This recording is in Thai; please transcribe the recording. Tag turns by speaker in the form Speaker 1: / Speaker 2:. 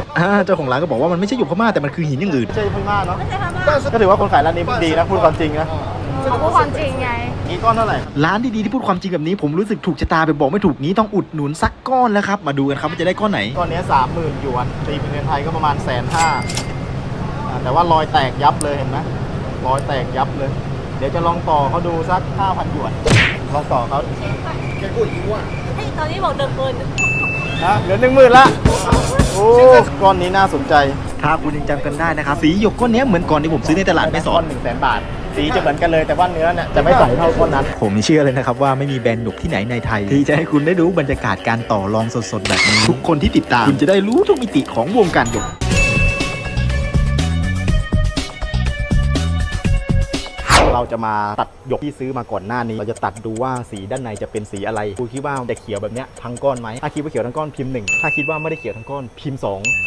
Speaker 1: เจ้าของร้านก็บอกว่ามันไม่ใช่หยกพม่าแต่มันคือหินอย่างอื่น
Speaker 2: ใช่พม่าเนาะ
Speaker 3: ไม่ใช่พม่า
Speaker 2: ก็ถือว่าคนขายร้านนี้ดีนะพูดความจริงนะ
Speaker 3: เขาพูดความจริงไง
Speaker 2: นี่ก้อนเท่าไหร่
Speaker 1: ร้านดีๆที่พูดความจริงแบบนี้ผมรู้สึกถูกชะตาไปบอกไม่ถูกนี้ต้องอุดหนุนสักก้อนแล้วครับมาดูกันครับว่าจะได้ก้อนไหน
Speaker 2: ก้อนนี้30,000 หยวนตีเป็นเงินไทยก็ประมาณ150,000แต่ว่ารอยแตกยับเลยเห็นไหมรอยแตกยับเลย เดี๋ยวจะลองต่อเขาดูสัก 5,000 หยวนลองต่อเขาแกกูอีกว่า
Speaker 3: ตอนนี้บอก10,000
Speaker 2: นะเหลือ10,000ละโอ้ก้อนนี้น่าสนใจ
Speaker 1: ถ้าคุณยังจำกันได้นะครับสีหยกก้อนนี้เหมือนก่อนที่ผมซื้อในตลาดแม่สอ
Speaker 2: ก้อน น100,000 บาท สีจะเหมือนกันเลยแต่ว่าเนื้อเนี่ยจะไม่ใสเท่าก้อนนั้น
Speaker 1: ผมเชื่อเลยนะครับว่าไม่มีแบรนด์หยกที่ไหนในไทยที่จะให้คุณได้รู้บรรยากาศการต่อรองสดๆแบบนี้ทุกคนที่ติดตามคุณจะได้รู้ทุกมิติของวงการหยก
Speaker 2: เราจะมาตัดหยกที่ซื้อมาก่อนหน้านี้เราจะตัดดูว่าสีด้านในจะเป็นสีอะไรคุณคิดว่าจะเขียวแบบเนี้ยทั้งก้อนไหมถ้าคิดว่าเขียวทั้งก้อนพิมพ์1ถ้าคิดว่าไม่ได้เขียวทั้งก้อนพิมพ์2